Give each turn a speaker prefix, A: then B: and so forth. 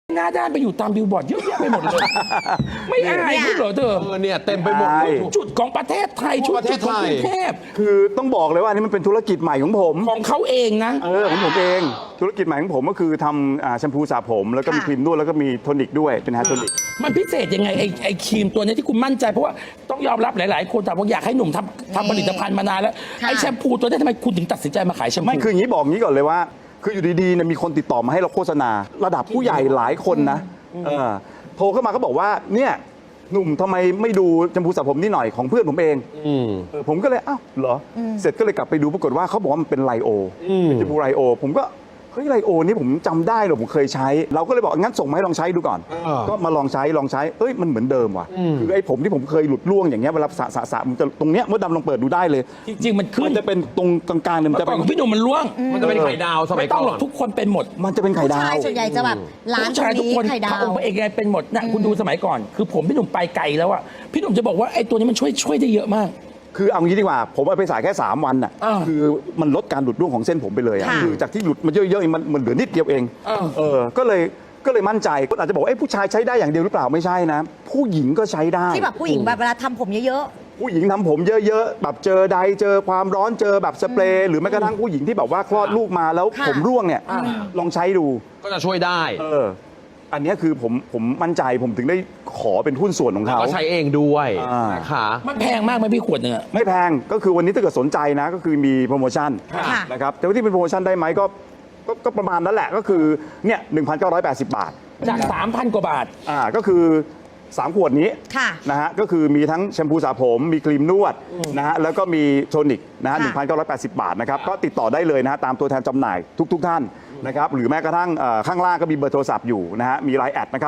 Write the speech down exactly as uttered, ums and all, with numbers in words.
A: หน้าด้านไปอยู่ตามบิลบอร์ดเยอะแยะไปหมดเลยไม่อายพูดเหรอเธอ
B: เออเนี่ยเต็มไปหมดเลย
A: จุดของประเทศไทย
B: ทั่
A: ชุ
B: ว
A: ด
B: ประเท
A: จุ
B: ศ
A: ดของ
B: ไทย
A: กรุงเทพ
C: คือต้องบอกเลยว่าอันนี้มันเป็นธุรกิจใหม่ของผม
A: ของเขาเองนะ
C: เออของผมเองธุรกิจใหม่ของผมก็คือทำอ่าแชมพูสระผมแล้วก็มี
D: ค่ะ
C: ครีมนวดแล้วก็มีโทนิกด้วยเป็นแฮร์โทนิก
A: มันพิเศษยังไงไอ้ไอ้ครีมตัวนี้ที่คุณมั่นใจเพราะว่าต้องยอมรับหลาย ๆ คนถามว่าอยากให้หนุ่มทำทำผลิตภัณฑ์มานานแล้ว
D: ค่ะ
A: ไอ้แชมพูตัวนี้ทำไมคุณถึงตัดสินใจมาขายแชมพู
C: ไม่คืออย่างนี้บอกงี้ก่อนเลยว่า คืออยู่ดีๆเนี่ยมีคนติดต่อมาให้เราโฆษณา ระดับผู้ใหญ่หลายคนนะเออโทรเข้ามาก็บอกว่าเนี่ยหนุ่มทำไมไม่ดูแชมพูสระผมนี่หน่อยของเพื่อนผมเอง
B: อืม
C: เออผมก็เลยอ้าวเหรออเสร็จก็เลยกลับไปดูปรากฏว่าเขาบอกว่ามันเป็นไลโอ
B: อืม
C: เป็นแชมพูไลโอ ผมก็เฮ้ยไลโอนี่ผมจำได้เหรอผมเคยใช้ เราก็เลยบอกงั้นส่งมาให้ลองใช้ดูก่อน
B: อ่า
C: ก็มาลองใช้ลองใช้เอ้ยมันเหมือนเดิมว่ะคือไอ้ผมที่ผมเคยหลุดร่วงอย่างเงี้ยเวลาสระสระสระมันจะตรงเนี้ยมดดำลองเปิดดูได้เลย
A: จริง ๆ มันขึ้
C: มัน นจะเป็นตรงกลางๆเนี่ยมัน
A: เมื่อ
C: จะ
A: ก่อ
C: เป็น น
A: ของพี่หนุ่มมันร่วง
B: มันจะเป็นไข่ดาวสมั
A: ไม่
B: ย
A: ต้
B: ก่
A: อง
B: อ
A: หรอก
B: น
A: ทุกคนเป็นหมด
C: มันจะเป็นไข่
D: ผู้
C: ดา
D: ชายว ส่วนใหญ่จะแบบร้าน
A: ผู้
D: ตร
A: ชาย
D: ง
A: ทุก
D: นี้
A: คน
D: ไข่ดา
A: พระ
D: ว
A: องค์เอกไงเป็นหมดนะคุณดูสมัยก่อน คือผมพี่หนุ่มไปไกลแล้วอะพี่หนุ่มจะบอกว่าไอ้ตัวนี้มันช่วยช่วยได้เยอะมาก
C: คือเอางี้ดีกว่า ผมเอาไปสายแค่ 3 วันน่ะ
A: อ่า
C: คือมันลดการหลุดร่วงของเส้นผมไปเลยอะ
D: ค่ะ
C: คือจากที่หลุดมันเยอะๆเองมันมันเหลือนิดเดียวเอง
A: อ่า
C: เออก็เลยก็เลยมั่นใจคนอาจจะบอกว่าเอ้ผู้ชายใช้ได้อย่างเดียวหรือเปล่าไม่ใช่นะ ผู้หญิงก็ใช้ได้
D: ที่แบบผู้หญิงแบบเวลาทำผมเยอะ
C: ผู้หญิงทำผมเยอะๆแบบเจอใดเจอความร้อนเจอแบบสเปรย์หรือแม้กระทั่งผู้หญิงที่แบบว่าคลอดลูกมาแล้ว
D: ค่ะ
C: ผมร่วงเนี่ยลองใช้ดู
B: ก็จะช่วยได้
C: เอออันเนี้ยคือผมผมมั่นใจผมถึงได้ขอเป็นหุ้นส่วนของเขา
B: ก็ใช้เองด้วย
C: อ่าน
B: นะคะ
A: มันแพงมากไหมพี่ขวดหนึ่งอะ
C: ไม่แพงก็คือวันนี้ถ้าเกิดสนใจนะก็คือมีโปรโมชั่น
D: ค่ะ
C: นะครับแต่ว่าที่เป็นโปรโมชั่นได้ไหมก็ก็ก็ประมาณนั้นแหละก็คือเนี่ยหนึ่งพันเก้าร้อยแปดสิบบาท
A: จาก สามพัน กว่าบาท
C: อ่าก็คือสามขวดนี้
D: ค่ะ
C: นะฮะก็คือมีทั้งแชมพูสระผมมีครีมนวดนะฮะแล้วก็มีโทนิกนะฮะหนึ่งพันเก้าร้อยแปดสิบบาทนะครับก็ติดต่อได้เลยนะฮะตามตัวแทนจำหน่ายทุก ๆ ท่านนะครับหรือแม้กระทั่งเอ่อข้างล่างก็มีเบอร์โทรศัพท์อยู่นะฮะมีไลน์แอดนะครับ